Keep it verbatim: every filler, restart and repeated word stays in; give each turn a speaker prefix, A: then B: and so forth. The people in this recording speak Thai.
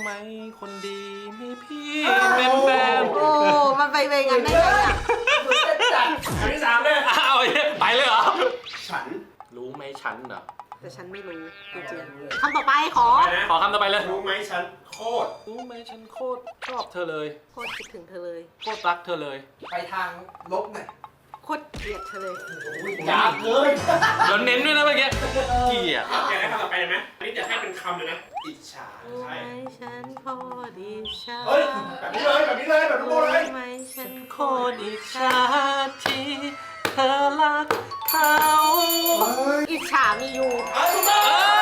A: ไหมคนดีมีพี่เป็นแฟน
B: โอ้มันไปเวงันได้ไงอ่ะ
C: จัดคำที่สามเลย
A: อ้าวไปเลยเหรอ
C: ฉัน
A: รู้ไหมฉันเหรอ
B: แต่ฉันไม่รู้จริงๆคำต่อไปขอ
C: นะ
A: ขอคำต่อไปเลย
C: รู้ไหมฉันโคตร
A: รู้ไหมฉันโคตรชอบเธอเลย
B: โคตรคิดถึงเธอเลย
A: โคตรรักเธอเลย
D: ไปทางลบหน่อย
B: โคตรเกลียดเธอเลย
C: ยากเลย
A: แล้วเน้นด้วยนะเมื่อกี้เกลียด
C: อยากได้คำต่อไปเลยไหมอันนี้จะให้เป็นคำเลยนะ อิจฉา
B: รู้ไห
C: ใช่
B: มฉันโคตรอิจฉา
C: เฮ้ย แบบนี้เลยแบบนี้เลยแบบทุกคนเลย
B: รู้ไหมฉัน
A: โคตรอิจฉาที่เธอรักเขา
B: อิจฉามีอยู่
C: เอาถูกต้อง
A: เอ้